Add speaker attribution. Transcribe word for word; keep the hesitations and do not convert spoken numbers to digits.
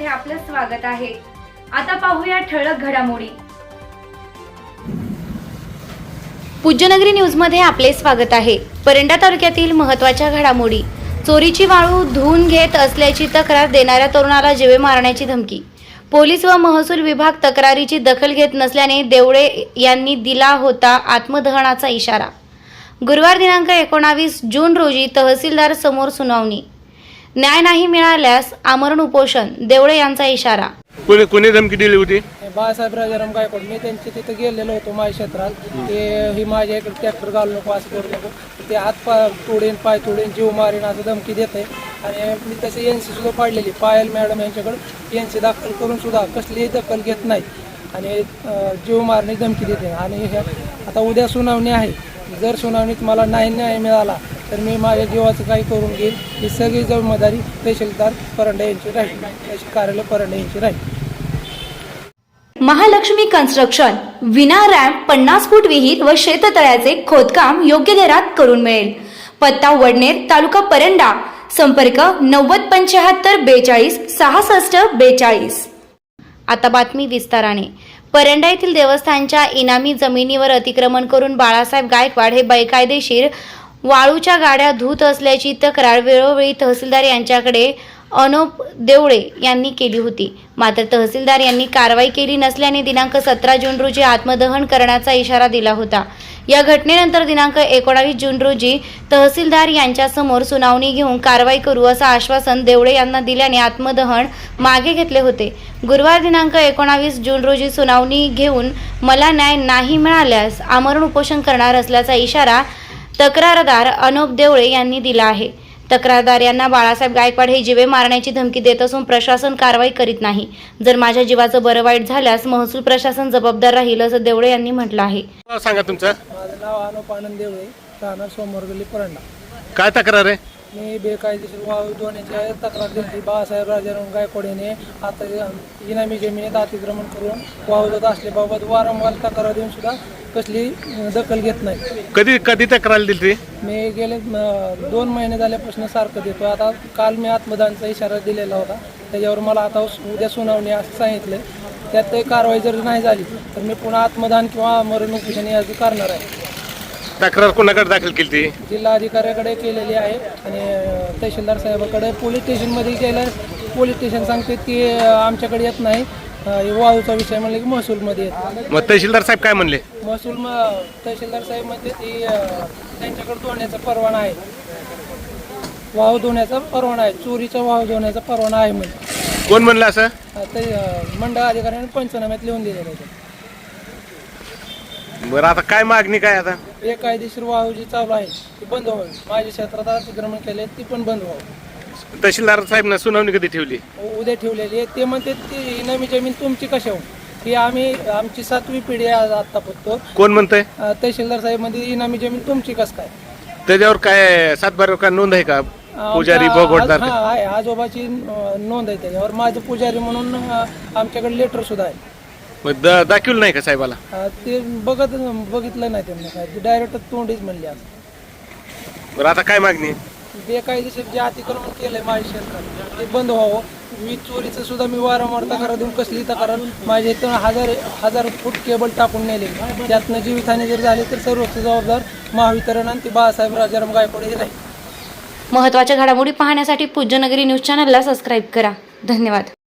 Speaker 1: मध्ये आपलं स्वागत आहे। आता पाहूया ठळक घडामोडी। पूज्यनगरी न्यूज मध्ये आपले स्वागत आहे। परंडा तालुक्यातील महत्त्वाच्या घडामोडी। चोरीची वाळू धुवून घेत असल्याची तक्रार देणाऱ्या तरुणाला जीवे मारण्याची धमकी। पोलीस व महसूल विभाग तक्रारीची दखल घेत नसल्याने देवळे यांनी दिला होता आत्मदहनाचा इशारा। गुरुवार दिनांक एकोणावीस जून रोजी तहसीलदार समोर सुनावणी। न्याय नाही मिळाल्यास आमरण उपोषण, देवळे यांचा इशारा।
Speaker 2: कोणी कोणी धमकी दिली होती?
Speaker 3: बाळासाहेब राजाराम गायकवाड। मी त्यांच्या तिथे गेलेलो होतो माझ्या क्षेत्रात। ते ही माझ्या इकडे ट्रॅक्टर घालू नको, असं करू नको, ते हात पाय तोडेन, पाय तोडेन, जीव मारेन असं धमकी देत आहे। आणि मी तसे एन सी सुद्धा पाडलेली, पायल मॅडम यांच्याकडे एन सी दाखल करून सुद्धा कसलीही दखल घेत नाही आणि जीव मारणे धमकी देते। आणि आता उद्या सुनावणी आहे, जर सुनावणीत मला नाही न्याय मिळाला तर मी माझ्या जीवाचं काही करून घेईल। ही सगळी जबाबदारी तहसीलदार परंडा यांची राहील, तहसील कार्यालय परंडा यांची राहील।
Speaker 1: महालक्ष्मी कन्स्ट्रक्शन विना रॅम्प पन्नास फूट विहीर व शेततळ्याचे खोदकाम योग्य दरात करून मिळेल। पत्ता वडनेर, तालुका परंडा। संपर्क नव्वद पंच्याहत्तर बेचाळीस सहासष्ट बेचाळीस। आता बातमी विस्ताराने। परंडा येथील देवस्थानच्या इनामी जमिनीवर अतिक्रमण करून बाळासाहेब गायकवाड हे बेकायदेशीर वाळूच्या गाड्या धुत असल्याची तक्रार वेळोवेळी तहसीलदार यांच्याकडे अनोप देवळे यांनी केली होती। मात्र तहसीलदार यांनी कारवाई केली नसल्याने दिनांक सतरा जून रोजी आत्मदहन करण्याचा इशारा दिला होता। या घटनेनंतर दिनांक एकोणावीस जून रोजी तहसीलदार यांच्या समोर सुनावणी घेऊन कारवाई करू असं आश्वासन देवळे यांना दिल्याने आत्मदहन मागे घेतले होते। गुरुवार दिनांक एकोणावीस जून रोजी सुनावणी घेऊन मला न्याय नाही मिळाल्यास आमरण उपोषण करणार असल्याचा इशारा तक्रारदार अनोप देवळे यांनी दिला आहे। तक्रारदार यांना बाळासाहेब गायकवाड हे जीवे मारण्याची धमकी देत असून प्रशासन कारवाई करीत नाही। जर माझ्या जीवाचं बरं वाईट झाल्यास महसूल प्रशासन जबाबदार राहील असं देवळे यांनी म्हटलं आहे।
Speaker 2: सांगा तुमचं।
Speaker 3: माझं नाव अनोप आनंद देवळे, राहणार सोमवारगल्ली परंडा।
Speaker 2: काय तक्रार आहे?
Speaker 3: मी बेकायदेशीर वाळू धुण्याची तक्रार दिली। बाळासाहेब राजाराम गायकवाड यांनी आता इनामी जमिनीत अतिक्रमण करून वाळू धुत असल्याबाबत वारंवार तक्रार देऊन सुद्धा कसली दखल घेत नाही।
Speaker 2: कधी कधी तक्रार दिली?
Speaker 3: मी गेले दोन महिने झाल्यापासून सारखं देतो। आता काल मी आत्मदानचा इशारा दिलेला होता, त्याच्यावर मला आता उद्या सुनावणी असं सांगितलं। त्यात कारवाई जर नाही झाली तर मी पुन्हा आत्मदान किंवा मरण उपोषण याची करणार आहे।
Speaker 2: तक्रार कोणाकडे दाखल केली?
Speaker 3: जिल्हाधिकाऱ्याकडे केलेली आहे आणि तहसीलदार साहेबाकडे, पोलीस स्टेशनमध्ये गेलं। पोलीस स्टेशन सांगते की आमच्याकडे येत नाही, वाळूचा विषय म्हणले की महसूलमध्ये येत।
Speaker 2: मग तहसीलदार साहेब काय म्हणले?
Speaker 3: महसूल तहसीलदार साहेब म्हणजे ती त्यांच्याकडे धुण्याचा परवाना आहे, वाळू धुण्याचा परवाना आहे, चोरीचा वाळू धुण्याचा परवाना आहे म्हणजे।
Speaker 2: कोण म्हणलं असं?
Speaker 3: ते मंडळ अधिकाऱ्याने पंचनाम्यात लिहून दिलेलं आहे।
Speaker 2: बरं, आता काय मागणी काय? आता
Speaker 3: बेकायदेशीर वाळू जी चालू आहे ती बंद व्हावी, माझ्या क्षेत्रात अतिक्रमण केले ती पण बंद व्हावी।
Speaker 2: तहसीलदार साहेब सुनावणी कधी ठेवली?
Speaker 3: उद्या ठेवलेली आहे। ते म्हणते ती इनामी जमीन तुमची कशा हो, की आम्ही आमची सातवी पिढी आहे आता फक्त।
Speaker 2: कोण म्हणतंय?
Speaker 3: तहसीलदार साहेब म्हणजे इनामी जमीन तुमची कस काय?
Speaker 2: त्याच्यावर काय सातबारा का नोंद आहे का? पुजारी भोगवटदार
Speaker 3: आहे, आजोबाची नोंद आहे त्याच्यावर। माझं पुजारी म्हणून आमच्याकडे लेटर सुद्धा आहे।
Speaker 2: मग दाखवलं नाही का साहेबाला?
Speaker 3: ते बघत बघितलं नाही त्यांना, काय डायरेक्ट तोंडीच म्हणली आज।
Speaker 2: बरं, आता काय मागणी?
Speaker 3: बेकायदेशीर जे अतिक्रमण केलंय माझ्या क्षेत्रात ते बंद व्हावं। वीज चोरीचं सुद्धा मी वारंवार तक्रार देऊन कसली तक्रार, माझ्या इथं हजार हजार फूट केबल टाकून नेले, त्यातनं जीवितहानी जर झाली तर सर्वोच्च जबाबदार महावितरण आणि ती बाळासाहेब राजाराम गायकवाड हे राहील।
Speaker 1: महत्त्वाच्या घडामोडी पाहण्यासाठी पूज्यनगरी न्यूज चॅनलला सबस्क्राईब करा। धन्यवाद।